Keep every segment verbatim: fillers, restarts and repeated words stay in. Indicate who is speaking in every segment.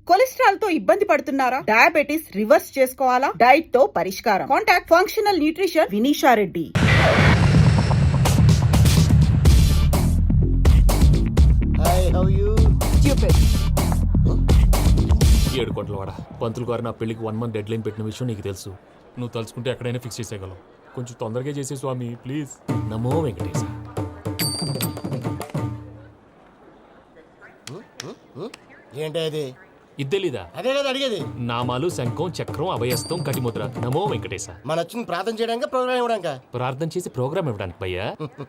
Speaker 1: Cholesterol తో ఇబ్బంది పడుతున్నారా? డయాబెటిస్ రివర్స్ చేసుకోవాలా? డైట్ తో పరిష్కారం. Contact functional nutrition Vinisha Reddy.
Speaker 2: ఏడు కోట్ల వాడ పంతులు గారు నా పెళ్లికి వన్ మంత్ డెడ్ లైన్ పెట్టిన విషయం నీకు తెలుసు. నువ్వు తలుచుకుంటే ఎక్కడైనా ఫిక్స్ చేసేయగలవు. కొంచెం తొందరగా చేసే స్వామి ప్లీజ్. నమో వెంకటేశ.
Speaker 3: ఏంటి అది?
Speaker 2: ఇద్దెలీదా?
Speaker 3: అదే కదా అడిగేది.
Speaker 2: నామాలు శంఖం చక్రం అభయస్తం కటిముద్ర. నమో వెంకటేశ.
Speaker 3: మన వచ్చింది ప్రార్థన చేయడానికి, ప్రోగ్రామ్ ఇవ్వడానికి.
Speaker 2: ప్రార్థన చేసి ప్రోగ్రామ్ ఇవ్వడానికి భయ్యా.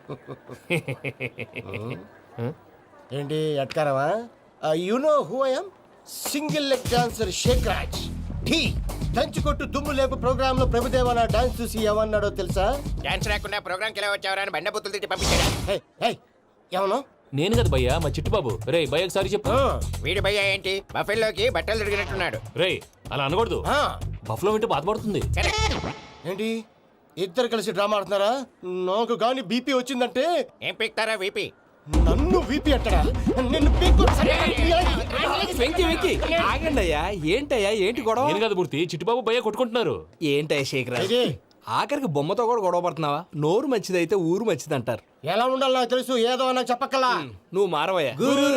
Speaker 3: ఏంటి ఎట్కారమా? You know who I am? Single leg dancer Shaik Raj. టీ దంచి కొట్టు దుమ్ము లేపు ప్రోగ్రామ్ లో ప్రభుదేవ నా డాన్స్ చూసి ఏమన్నాడో తెలుసా?
Speaker 4: డాన్స్ రాకుండా ప్రోగ్రామ్ కి ఎలా వచ్చావరా అని బండ బుద్ధులు తిట్టి పంపించాడు.
Speaker 3: ఏమను?
Speaker 2: నేను కదా భయ్యా, మా చిట్టుబాబు. రే భయ్య ఒకసారి చెప్పు.
Speaker 4: వీడి భయ్య ఏంటి బఫెల్లోకి బట్టలు తిరిగినట్టున్నాడు.
Speaker 2: రే అలా అనకూడదు. బఫ్లో వింటే బాధపడుతుంది.
Speaker 3: ఏంటి ఇద్దరు కలిసి డ్రామా ఆడుతున్నారా? నాకు గాని బీపీ వచ్చిందంటే
Speaker 4: ఏం పీక్తారా వీపీ?
Speaker 3: నన్ను వీపీ అట్టడా? నిన్ను పీక్కు.
Speaker 5: వెంకీ వెంకీ ఆగండి అయ్యా. ఏంటయ్యా ఏంటి గొడవ?
Speaker 2: నేను కదా మూర్తి, చిట్టుబాబు భయ్య కొట్టుకుంటున్నారు.
Speaker 5: ఏంటయ్యా శేఖర్, ఆఖరికి బొమ్మతో కూడా గొడవ పడుతున్నావా? నోరు మంచిదైతే ఊరు మంచిది అంటారు.
Speaker 3: ఎలా ఉండాలి నాకు తెలుసు, ఏదో నాకు చెప్పక్కలా.
Speaker 5: నువ్వు మారవయ్యా.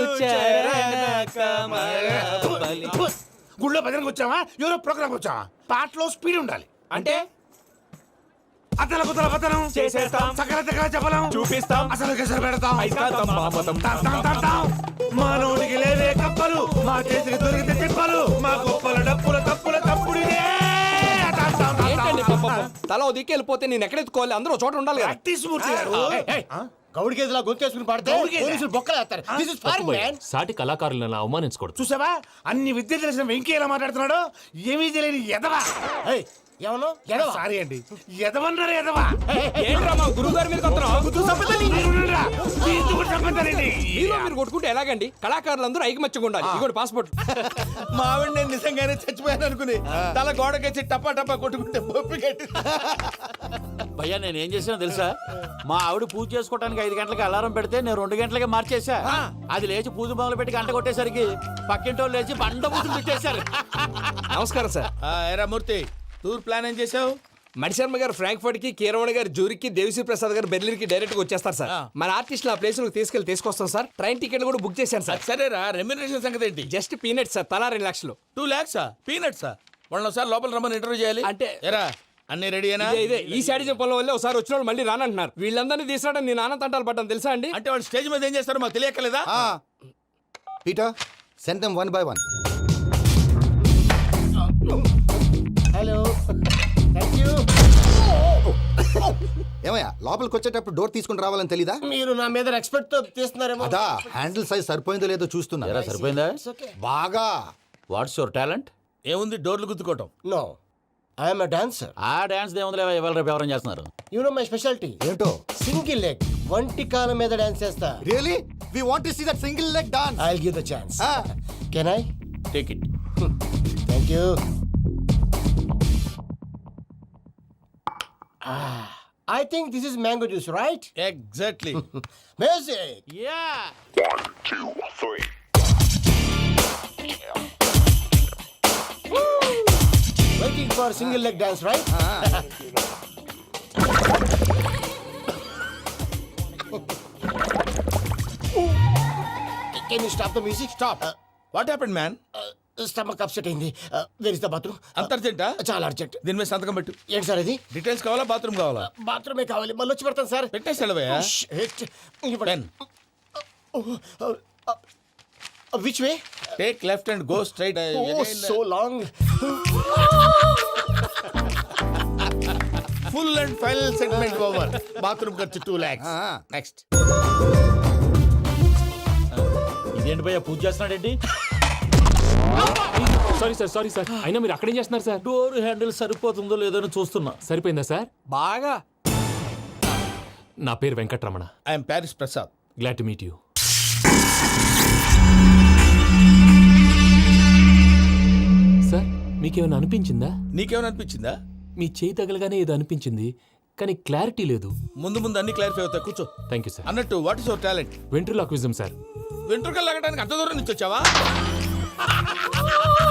Speaker 6: గుళ్ళో భజనకు వచ్చావా? ఎవరో ప్రోగ్రామ్ వచ్చావా? పాటలో స్పీడ్ ఉండాలి.
Speaker 5: అంటే
Speaker 6: అతల కుతల పతనం
Speaker 5: చేసేస్తాం,
Speaker 6: సకల దగ్గర చెప్పలేం,
Speaker 5: చూపిస్తాం,
Speaker 6: అసలు గసలు పెడతాం.
Speaker 5: అయితాం, మామతం.
Speaker 6: తాం, తాం, తాం, తాం. మా నోటికి లేవే కప్పలు, మా చేతికి దొరికితే తిప్పలు, మా గొప్పల డప్పుల తప్పుల తప్పుడిదే. తాం, తాం, తాం,
Speaker 5: ఏంటండి
Speaker 6: తాం,
Speaker 5: పాపం? తల ఓ దిక్కు వెళ్ళిపోతే నేను ఎక్కడెత్తుకోవాలి? అందరూ చోట ఉండాలి కదా.
Speaker 6: ప్రాక్టీస్ మూర్తి గారు.
Speaker 3: గౌడి గేదెలా గొంతేసుకుని పాడితే
Speaker 6: గౌడిగేదె?
Speaker 3: పోలీసులు బొక్కలేస్తారు. This is foreign, man.
Speaker 2: సాటి కళాకారులను అవమానించకూడదు.
Speaker 6: చూసావా అన్ని విద్య తెలిసిన వెంకీ ఎలా మాట్లాడుతున్నాడు? ఏమీ తెలియని ఎదవా.
Speaker 3: ఏయ్, ఏమను? ఎడవా?
Speaker 6: సారీ అండి, ఎదవన్నారు ఎదవా.
Speaker 5: ఏంట్రా మా గురువు గారి మీద కొత్తరా?
Speaker 6: మీరుండురా. మీతో కూడా చంపుతానండి.
Speaker 5: మీలో మీరు కొట్టుకుంటే ఎలాగండి? కళాకారులందరూ ఐకమత్యంగా ఉండాలి. ఇగోటి పాస్పోర్ట్.
Speaker 6: మా ఆవిడ నేను నిజంగానే చచ్చిపోయాను అనుకుని తల గోడకేసి టపా టపా కొట్టుకుంటే పప్పు కట్టి.
Speaker 7: భయ్యా నేనేం చేసినా తెలుసా? మా ఆవిడ పూజ చేసుకోవడానికి ఐదు గంటలకి అలారం పెడితే నేను రెండు గంటలకి మార్చేసా. అది లేచి పూజ మొదలు పెట్టి గంట కొట్టేసరికి పక్కింటి వాళ్ళు లేచి బండ పూజలు పెట్టేశారు.
Speaker 5: నమస్కారం సార్.
Speaker 6: ఎరా మూర్తి, టూర్ ప్లాన్ ఏం చేసావు?
Speaker 5: మణిశర్మ గారు ఫ్రాంక్ఫర్ట్ కి, కీరవాణి గారు జూరిక్ కి, దేవిశ్రీ ప్రసాద్ గారు బెర్లిన్ కి డైరెక్ట్ గా వచ్చేస్తారు సార్. మన ఆర్టిస్ట్ ఆ ప్లేస్ తీసుకెళ్లి తీసుకొస్తాం సార్. ట్రైన్ టికెట్ కూడా బుక్ చేశాను సార్.
Speaker 6: సరేరా, రెమ్యూనరేషన్ సంగతి ఏంటి?
Speaker 5: జస్ట్ పీనట్స్ సార్, తలా రెండు లక్షలు.
Speaker 6: టూ లాక్సా? పీనట్సా? వాళ్ళని ఒకసారి లోపల రమ్మని ఇంటర్వ్యూ చేయాలి.
Speaker 5: అంటే
Speaker 6: ఎరా అన్ని రెడీ అయినా?
Speaker 5: ఇదే ఇదే ఈ శాడిజం పొలం వల్లే ఒకసారి వచ్చిన వాళ్ళు మళ్ళీ రానంటున్నారు. వీళ్ళందరినీ తీసుకురావడం నేను నాన్న తంటాలు పడ్డాను తెలుసా అండి?
Speaker 6: అంటే వాళ్ళు స్టేజ్ మీద ఏం చేస్తారో మాకు తెలియక్కలేదా?
Speaker 8: Peter, send them one by one.
Speaker 3: Hello, thank you.
Speaker 8: ఏమయ్యా లోపలికి వచ్చేటప్పుడు డోర్ తీసుకుని రావాలని తెలీదా?
Speaker 3: మీరు నా మీద ఎక్స్పెక్ట్ తో తీస్తున్నారేమో.
Speaker 8: అదా హ్యాండిల్ సైజ్ సరిపోయిందో లేదో చూస్తున్నా.
Speaker 7: ఎరా సరిపోయిందా?
Speaker 8: బాగా.
Speaker 7: What's your talent?
Speaker 6: ఏముంది డోర్లు గుద్దుకోవటం.
Speaker 3: No, I'm a dancer.
Speaker 7: ఆ డాన్స్ దేవుందిలే, ఇవాళ రేపు ఎవరైనా చేస్తున్నారు.
Speaker 3: You know my speciality.
Speaker 8: ఏంటో?
Speaker 3: సింగిల్ లెగ్, వంటి కాలం మీద డాన్స్ చేస్తా.
Speaker 8: Really we want to see that single leg dance.
Speaker 3: I will give the chance. Can I?
Speaker 7: Take it.
Speaker 3: Thank you. I think this is mango juice, right?
Speaker 6: Exactly.
Speaker 3: Music.
Speaker 7: Yeah.
Speaker 3: Waiting for single leg dance, right? Can you stop the music? Stop. Uh,
Speaker 6: what happened man?
Speaker 3: Stomach upset అయింది. Where is the bathroom?
Speaker 6: అంత అర్జెంటా?
Speaker 3: చాలా urgent.
Speaker 6: దీని మీద సంతకం పెట్టు.
Speaker 3: ఏంటి sir ఇది?
Speaker 6: డీటెయిల్స్ కావాలా బాత్రూమ్ కావాలా?
Speaker 3: బాత్రూమే కావాలి, మళ్ళీ వచ్చి పెడతాను సార్.
Speaker 6: పెట్టేసి వెళ్ళవయ్యా. Pen.
Speaker 3: Which way?
Speaker 6: Take left and go straight.
Speaker 3: Oh, so long.
Speaker 6: Full and final segment over. Bathroom ఖర్చు టూ లాక్స్. నెక్స్ట్.
Speaker 7: ఇదేంటి భయ్యా పూజ చేస్తున్నాడేంటి?
Speaker 2: Sorry sir, sorry sir. అయినా మీరు అక్కడేం చేస్తున్నారు సార్?
Speaker 7: డోర్ హ్యాండిల్ సరిపోతుందో లేదో అని చూస్తున్నా.
Speaker 2: సరిపోయిందా సార్?
Speaker 5: బాగా.
Speaker 2: నా పేరు Venkataramana.
Speaker 6: I'm Paris Prasad.
Speaker 2: Glad to meet you. Sir మీకేమైనా అనిపించిందా?
Speaker 6: నీకేమైనా అనిపించిందా?
Speaker 2: మీ చేయి తగలగానే ఏదో అనిపించింది, కానీ క్లారిటీ లేదు.
Speaker 6: ముందు ముందు అన్ని క్లారిఫై అవుతాయి, కూర్చో.
Speaker 2: Thank you sir.
Speaker 6: అన్నట్టు what is your talent?
Speaker 2: Ventriloquism sir.
Speaker 6: వెంట్రుకలు లాగడానికి అంత దూరం నుంచి వచ్చావా?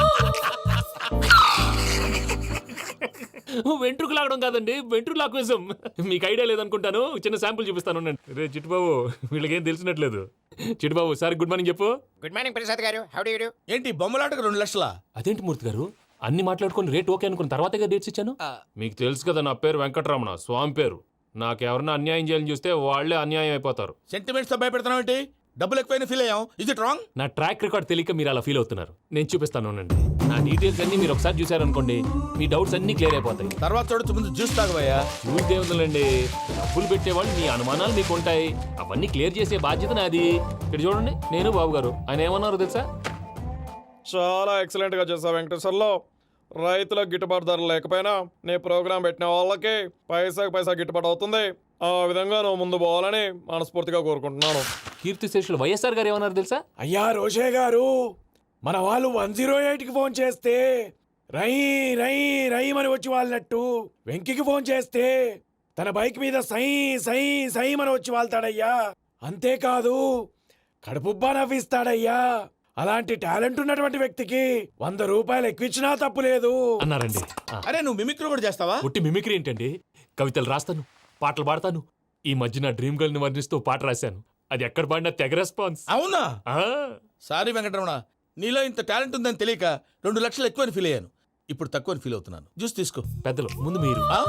Speaker 2: వెంట్రుకు లాగడం కాదండి, వెంట్రులాక్విజం. మీకు ఐడియా లేదనుకుంటాను, చిన్న శాంపుల్ చూపిస్తాను ఉండండి. రే చిట్టుబాబు, వీళ్ళకేం తెలిసినట్లేదు. చిట్టుబాబు సార్ గుడ్ మార్నింగ్ చెప్పు.
Speaker 4: Good morning Prasad garu, how do you do?
Speaker 6: ఏంటి బొమ్మలాటకు రెండు లక్షల?
Speaker 2: అదేంటి మూర్తి గారు, అన్ని మాట్లాడుకొని రేట్ ఓకే అనుకున్న తర్వాతగా డేట్స్ ఇచ్చాను. మీకు తెలుసు కదా నా పేరు వెంకటరమణ, స్వామి పేరు. నాకెవరన్నా అన్యాయం చేయాలని చూస్తే వాళ్ళే అన్యాయం అయిపోతారు.
Speaker 6: సెంటిమెంట్స్ తో భయపెడతావు ఏంటి? డబ్బులు ఎక్కువైనా ఫీల్ అయ్యాం. Is it wrong?
Speaker 2: నా ట్రాక్ రికార్డ్ తెలియక మీరు అలా ఫీల్ అవుతున్నారు. నేను చూపిస్తాను ఉండండి. నా డీటెయిల్స్ అన్ని మీరు ఒకసారి చూసారనుకోండి, మీ డౌట్స్ అన్ని క్లియర్ అయిపోతాయి.
Speaker 6: తర్వాత చూడొచ్చు, ముందు జ్యూస్ తాగబోయా.
Speaker 2: చూస్తే ఉందండి, డబ్బులు పెట్టేవాళ్ళు మీ అనుమానాలు మీకు ఉంటాయి, అవన్నీ క్లియర్ చేసే బాధ్యత నాది. ఇక్కడ చూడండి, నేను బాబు గారు. ఆయన ఏమన్నారు తెలుసా?
Speaker 9: చాలా ఎక్సలెంట్ గా చేసావు వెంకటేశ్వర్లో. రైతులకు గిట్టుబాటు ధర లేకపోయినా నీ ప్రోగ్రాం పెట్టిన వాళ్ళకి పైసాకి పైసా గిట్టుబాటు అవుతుంది. ఆ విధంగా నువ్వు ముందు పోవాలని మనస్ఫూర్తిగా కోరుకుంటున్నాను.
Speaker 2: కీర్తి శేషులు వైఎస్ఆర్ గారు ఏమన్నారు తెలుసా?
Speaker 6: అయ్యా రోషే గారు, మన వాళ్ళు వన్ జీరో ఎయిట్ కి ఫోన్ చేస్తే రై రై రై అని వచ్చి వాళ్ళనట్టు, వెంకికి ఫోన్ చేస్తే తన బైక్ మీద సై సై సై అని వచ్చి వాళ్తాడయ్యా. అంతేకాదు కడుపుబ్బా నవ్విస్తాడయ్యా. అలాంటి టాలెంట్ ఉన్నటువంటి వ్యక్తికి వంద రూపాయలు ఎక్కువచ్చినా తప్పు లేదు
Speaker 2: అన్నారండి. ఆ,
Speaker 6: అరే నువ్వు మిమిక్రీ కూడా చేస్తావా?
Speaker 2: ఒట్టి మిమిక్రీ ఏంటండి, కవితలు రాస్తాను, పాటలు పాడతాను. ఈ మధ్య నా డ్రీమ్ గర్ల్ ని వర్ణిస్తూ పాట రాశాను, అది ఎక్కడ పాడినా తెగ రెస్పాన్స్.
Speaker 6: అవునా?
Speaker 2: ఆ,
Speaker 6: సారీ వెంకటరమణ, నీలో ఇంత టాలెంట్ ఉందని తెలియక రెండు లక్షలు ఎక్కువని ఫీల్ అయ్యాను. ఇప్పుడు తక్కువని ఫీల్ అవుతున్నాను. జ్యూస్ తీసుకో.
Speaker 2: పెద్దలు ముందు మీరు.
Speaker 6: ఆ?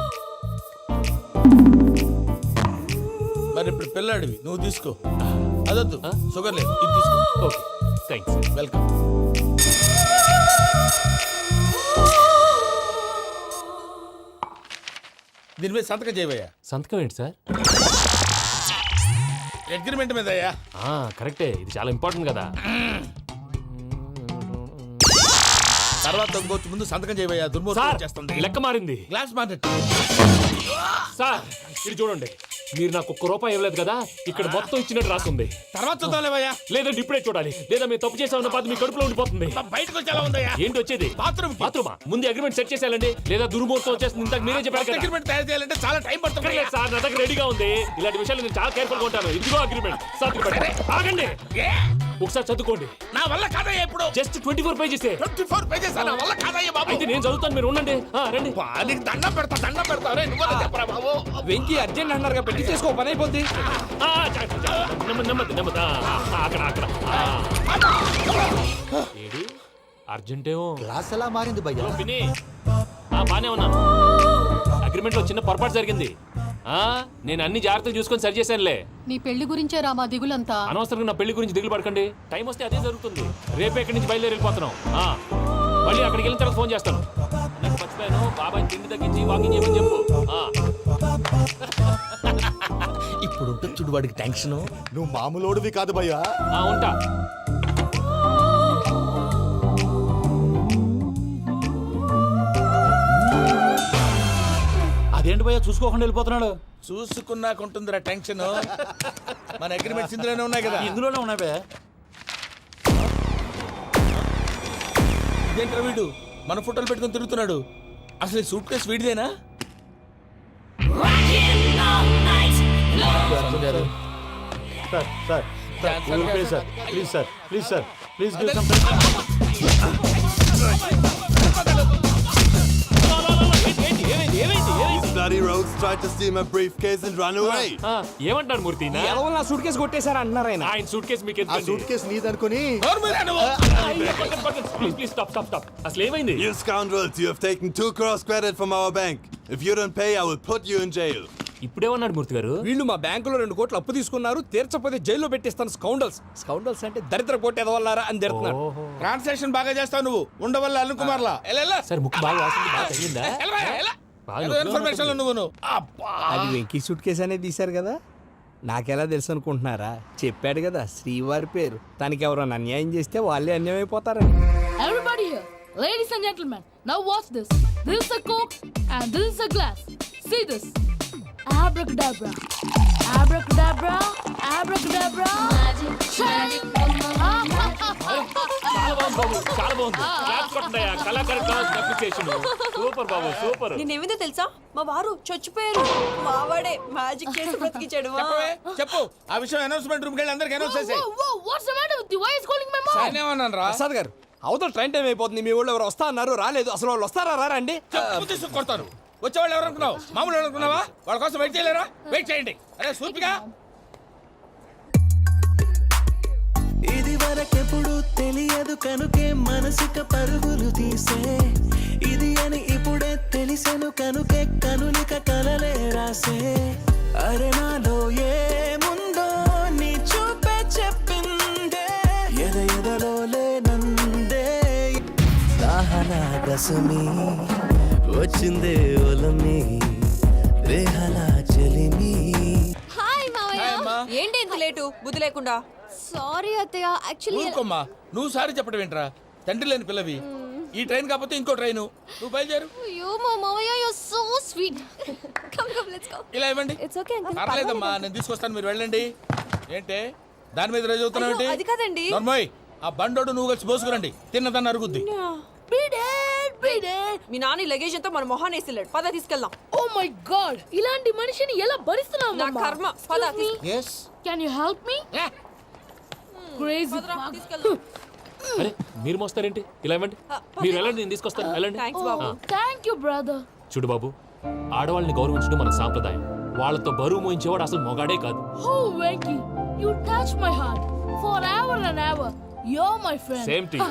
Speaker 6: మరి ఇప్పుడు పిల్లాడివి, నువ్వు తీసుకో. అదొద్దు,
Speaker 2: ఆ?
Speaker 6: షుగర్ లేదు, ఇది తీసుకో.
Speaker 2: Okay thanks.
Speaker 6: వెల్కమ్. దీని మీద సంతకం చేయవయ్యా.
Speaker 2: సంతకం ఏంటి సార్?
Speaker 6: అగ్రిమెంట్ మీద అయ్యా.
Speaker 2: ఆ, కరెక్టే, ఇది చాలా ఇంపార్టెంట్ కదా.
Speaker 6: తర్వాత ఇంకొచ్చి ముందు సంతకం చేయవయ్యా.
Speaker 2: సార్
Speaker 6: దుర్మోహం చేస్తుంది.
Speaker 2: లెక్క మారింది.
Speaker 6: Glass market.
Speaker 2: సార్ ఇది చూడండి, మీరు నాకు ఒక్క రూపాయి ఇవ్వలేదు కదా, ఇక్కడ మొత్తం ఇచ్చినట్టు రాస్తుంది.
Speaker 6: తర్వాత చూద్దాంలేవయ్యా.
Speaker 2: లేదంటే ఇప్పుడే చూడాలి, లేదా మీరు తప్పు చేసామన్న బాధ మీ కడుపులో ఉండిపోతుంది.
Speaker 6: బయటకు వచ్చేలా ఉందయ్యా.
Speaker 2: ఏంటి వచ్చేది?
Speaker 6: బాత్రూమ్
Speaker 2: బాత్రూమా? ముందు అగ్రిమెంట్ సెట్ చేసేయాలండి, లేదా దుర్మూర్తం వచ్చేస్తుంది. ఇంతకు మీరే చెప్పారు కదా.
Speaker 6: అగ్రిమెంట్ తయారు చేయాలంటే చాలా టైం పడుతుంది.
Speaker 2: లేదు సార్, నా దగ్గర రెడీగా ఉంది. ఇలాంటి విషయాలు నేను చాలా కేర్ఫుల్ గా ఉంటాను. ఇదిగో అగ్రిమెంట్. సంతకం పెట్టండి. ఆగండి,
Speaker 6: ఏ?
Speaker 2: ఒకసారి చదువుకోండి.
Speaker 6: నా వల్ల కాదయ్యా. ఇప్పుడు
Speaker 2: just twenty four pages.
Speaker 6: Twenty four pages నా వల్ల కాదయ్యా బాబు.
Speaker 2: అయితే నేను చదువుతాను, మీరు ఉండండి. ఆ, రండి.
Speaker 6: బా, నీకు దండం పెడతా, దండం పెడతా. రే నువ్వు చెప్పరా బాబు.
Speaker 5: వెంకీ అర్జెంట్ అన్నారుగా, పెళ్లి చేసుకో, పని అయిపోద్ది.
Speaker 2: ఆ, చ- చ- చ- నెమ్మది నెమ్మది నెమ్మది. ఆ, ఆ, అక్కడ అక్కడ. ఆ. ఏడి అర్జెంటేమో.
Speaker 8: క్లాస్ ఎలా మారింది భయ్యా?
Speaker 2: హలో పిన్ని. ఆ, బానే ఉన్నాను. అగ్రిమెంట్ లో చిన్న పొరపాటు జరిగింది. ఆ, నేను అన్ని జాగ్రత్తలు చూసుకొని సరి చేశానులే.
Speaker 10: నీ పెళ్లి గురించే రా మా దిగులంతా.
Speaker 2: అనవసరంగా నా పెళ్లి గురించి దిగులు పడకండి. టైం వస్తే అదే జరుగుతుంది. రేపే ఇక్కడి నుంచి బయలుదేరి వెళ్ళిపోతున్నాం. ఆ, మళ్ళీ అక్కడికి వెళ్ళిన తర్వాత ఫోన్ చేస్తాను. నాకు మర్చిపోయాను, బాబాయ్ తిండి తగ్గించి వాకింగ్ చేయమని చెప్పు. ఆ.
Speaker 6: ఇప్పుడు ఉంటుంది చూడు వాడికి టెన్షన్.
Speaker 8: నువ్వు మామూలోడివి కాదు భయ్యా.
Speaker 2: ఆ, ఉంటా.
Speaker 7: అదేంటి భయ్యా చూసుకోకుండా వెళ్ళిపోతున్నాడు?
Speaker 6: చూసుకున్నాకుంటుందిరా టెన్షన్. మన అగ్రిమెంట్స్ ఇందులోనే ఉన్నాయి కదా.
Speaker 7: ఇందులోనే ఉన్నాయి భయ్యా.
Speaker 6: ఇదేంట్రా వీడు మన ఫోటోలు పెట్టుకొని తిరుగుతున్నాడు. అసలు ఈ సూట్ కేసు వీడిదేనా?
Speaker 7: Sir sir sir sir please sir please sir please give some
Speaker 2: ఏంటి, ఏమైంది, ఏమైంది, ఏమైంది?
Speaker 9: Bloody rogues tried to steal my briefcase and run away.
Speaker 2: ఆ, ఏమంటారు మూర్తి? నా-
Speaker 5: ఎవరు నా సూట్ కేసు కొట్టేశారు అంటున్నారు ఆయన.
Speaker 2: ఆయన సూట్ కేసు మీకు
Speaker 8: ఆ
Speaker 2: ఎందుకండి?
Speaker 8: సూట్ కేసు నీదనుకుని
Speaker 6: నోరు మీరా నువ్వు?
Speaker 2: Please please stop stop stop. అసలు ఏమైంది?
Speaker 9: You scoundrels, you have taken two crores credit from our bank. If you don't pay, I will put you in jail.
Speaker 2: ఇప్పుడేమన్నాడు మూర్తి గారు?
Speaker 5: వీళ్ళు మా బ్యాంకులో రెండు కోట్లు అప్పు తీసుకున్నారు, తీర్చకపోతే జైల్లో పెట్టిస్తాను. స్కౌండల్స్ స్కౌండల్స్ అంటే దరిద్ర కోట ఎదవల్లారా అని తిడుతున్నాడు.
Speaker 6: ట్రాన్సాక్షన్ బాగా చేస్తావు నువ్వు. ఉండవల్ల అల్లు కుమార్లా.
Speaker 2: సార్ ముక్కు బాగా వాసింది, బాగా తగ్గిందా? బాగా నొప్పిగా
Speaker 6: ఇన్ఫర్మేషన్
Speaker 2: ఉన్నట్టుంది.
Speaker 6: నువ్వు అబ్బా.
Speaker 5: అది వెంకీ సూట్ కేసు అనేది తీశారు కదా, నాకెలా తెలుసు అనుకుంటున్నారా? చెప్పాడు కదా శ్రీవారి పేరు. తనకి ఎవరైనా అన్యాయం చేస్తే వాళ్ళే అన్యాయం అయిపోతారని.
Speaker 10: Everybody here, ladies and gentlemen, now watch this. This is a coke and this is a glass. See this. Abracadabra. Abracadabra. Abracadabra. Magic.
Speaker 2: చాలా బాగుంది బాబు, చాలా బాగుంది. క్లాప్స్ కొట్టండియా, కళాకారు క్లాస్ అప్రిసియేషన్. సూపర్ బాబు, సూపర్.
Speaker 11: నేనేమిందో తెలుసా, మా వారు చచ్చిపోయారు. మావాడే మ్యాజిక్ చేసి బ్రతికించాడు.
Speaker 6: చెప్పవే, చెప్పు. ఆ విషయం అనౌన్స్మెంట్ రూమ్ కి వెళ్ళి అందరికి అనౌన్స్ చేసేయ్.
Speaker 10: Whoa, whoa, what's the matter with you? Why is calling my mom?
Speaker 6: నేనేమన్నాను రా?
Speaker 5: ప్రసాద్ గారు, అవతల ట్రైన్ టైం అయిపోతుంది. మీ ఊళ్ళో ఎవరు వస్తా అన్నారు, రాలేదు. అసలు వాళ్ళు వస్తారా రారా అండి?
Speaker 6: చెప్పు తీసుకు కొడతాను.
Speaker 7: వచ్చేవాళ్ళు ఎవరు అనుకున్నావు మామూలు ఎవరు అనుకున్నావా వాళ్ళ కోసం వెయిట్ చేయలేరా వెయిట్ చేయండి అరే సూపిగా
Speaker 12: ఇది వరకెప్పుడు తెలియదు కనుకే మనసుక పరుగులు తీసే ఇది అని ఇప్పుడే తెలిసెను కనుకే కనులిక కలలే రాసే అరే నాలో ఏముందో నీ చూపే చెప్పిందే ఎద ఎదలో లేనందే దాహనా గసమి వచ్చిందే ఒలమి రేహలా చెలిమి
Speaker 11: హాయ్ మావయ్య
Speaker 7: అమ్మా.
Speaker 11: ఏంటి ఇంత లేటు బుద్ధి లేకుండా
Speaker 10: సారీ అత్తయ్య యాక్చువల్లీ
Speaker 7: ఊరుకోమ్మా నువ్వు సారి చెప్పడం ఏంట్రా తండ్రి లేని పిల్లవి ఈ ట్రైన్ కాకపోతే ఇంకో ట్రైన్ నువ్వు బయలుదేరు
Speaker 10: అయ్యో మా మావయ్య you so sweet
Speaker 11: come come let's go
Speaker 7: ఇలా ఇవ్వండి
Speaker 11: ఇట్స్ ఓకే అంకుల్
Speaker 7: పర్లేదమ్మా నేను తీసుకొస్తాను మీరు వెళ్ళండి ఏంటే దాని మీద రోజు అవుతున్నావు
Speaker 11: అయ్యో, అది కాదండి.
Speaker 7: నర్మోయ్ ఆ బండోడు నువ్వు కలిసి పోసుకురండి తిన్నదాన్ని అరుగుద్ది
Speaker 10: బ్రీడెడ్ బ్రీడెడ్
Speaker 11: మీ నాని లగేజ్ అంతా మన మొహాన్ వేసిల్లాడు పద తీసుకెళ్దాం
Speaker 10: ఓ మై గాడ్ ఇలాంటి మనిషిని ఎలా భరిస్తున్నావు
Speaker 11: నా కర్మ పద
Speaker 3: yes
Speaker 10: can you help me crazy
Speaker 11: తీసుకెళ్దాం
Speaker 2: అరే మీరు మోస్తారేంటి ఇలా ఇవ్వండి మీరు వెళ్ళండి నేను తీసుకొస్తాను వెళ్ళండి
Speaker 11: థ్యాంక్స్ బాబు
Speaker 10: థ్యాంక్ యూ బ్రదర్
Speaker 2: చూడు బాబు ఆడవాళ్ళని గౌరవించడం మన సాంప్రదాయం వాళ్ళతో బరువు మోయించేవాడు అసలు మొగాడే కాదు
Speaker 10: ఓ Venky you touch my heart forever and ever you are my friend
Speaker 2: Same to you.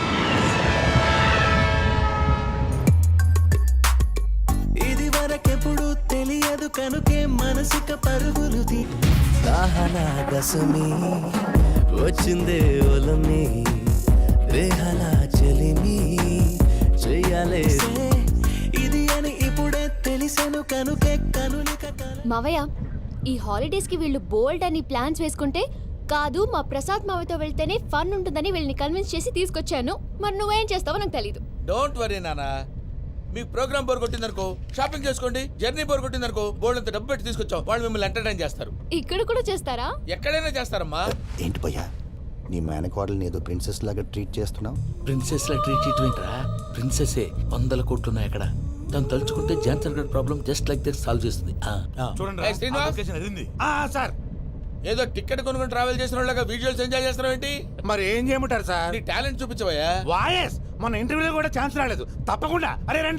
Speaker 12: ఇది వరకెప్పుడు తెలియదు కనుకే మనసుక పరుగులు తీ దాహనా గసమి వచ్చిందే ఒలమి రేహలా చెలిమి చెయ్యాలే ఇది అని ఇప్పుడే తెలిసెను కనుకే కనులిక కల
Speaker 10: మావయ్య ఈ హాలిడేస్ కి వీళ్ళు బోల్డ్ అని ప్లాన్స్ వేసుకుంటే కాదు మా ప్రసాద్ మావయ్యతో వెళ్తేనే ఫన్ ఉంటుందని వీళ్ళని కన్విన్స్ చేసి తీసుకొచ్చాను మరి నువ్వేం చేస్తావో నాకు తెలీదు
Speaker 7: డోంట్ వరీ నానా మీకు ప్రోగ్రామ్ బోర్ కొట్టిందనుకో షాపింగ్ చేసుకోండి జర్నీ బోర్ కొట్టిందనుకో బోర్డు అంత డబ్బు పెట్టి తీసుకొచ్చాం వాళ్ళు మిమ్మల్ని ఎంటర్టైన్ చేస్తారు
Speaker 10: ఇక్కడ కూడా చేస్తారా
Speaker 7: ఎక్కడైనా చేస్తారమ్మా
Speaker 8: ఏంటి భయ్యా నీ మేనకోడల్ని ఏదో ప్రిన్సెస్ లాగా ట్రీట్ చేస్తున్నావు
Speaker 7: ప్రిన్సెస్ లా ట్రీట్ చేయటమేంట్రా ప్రిన్సెస్ వందల కోట్లు ఉన్నాయి అక్కడ తను తలుచుకుంటే జాన్సన్ గడ్ problem just like that solve చేస్తుంది చూడండి
Speaker 6: సార్
Speaker 7: ఏదో టికెట్ కొనుక్కొని ట్రావెల్ చేసిన వాళ్ళగా విజువల్స్ ఎంజాయ్ చేస్తున్నావు ఏంటి
Speaker 6: మరి ఏం చేయమంటారు సార్
Speaker 7: నీ టాలెంట్ చూపించవయ్యా
Speaker 6: వాయస్ మన ఇంటర్వ్యూలో కూడా ఛాన్స్ రాలేదు తప్పకుండా అరే రండి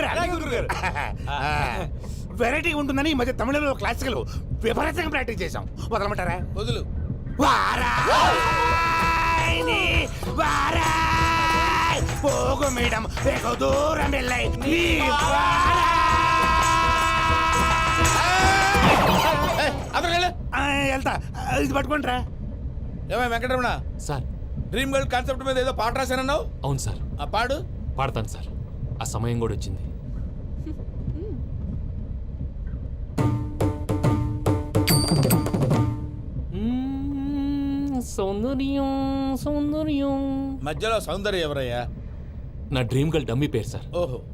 Speaker 6: వెరైటీ ఉంటుందని ఈ మధ్య తమిళంలో క్లాసికల్ విపరీతంగా ప్రాక్టీస్ చేసాం వదలమంటారా
Speaker 7: వదులు
Speaker 6: వారాయని వారాయ్ పోగు మేడం వెగు దూరం వెళ్ళై నీ వారాయ్.
Speaker 7: అతను వెళ్ళు
Speaker 6: ఆ, వెళ్తా ఇది పట్టుకుంటారా
Speaker 7: ఏమై Venkataramana
Speaker 2: sir
Speaker 7: dream girl concept మీద ఏదో పాట రాశానన్నావు
Speaker 2: అవును సార్
Speaker 7: ఆ పాడు
Speaker 2: పాడతాను సార్ ఆ సమయం కూడా వచ్చింది మ్మ్, సౌందర్యం సౌందర్యం
Speaker 7: మధ్యలో సౌందర్య ఎవరయ్యా
Speaker 2: నా డ్రీమ్ గర్ల్ డమ్మీ పేరు సార్
Speaker 7: ఓహో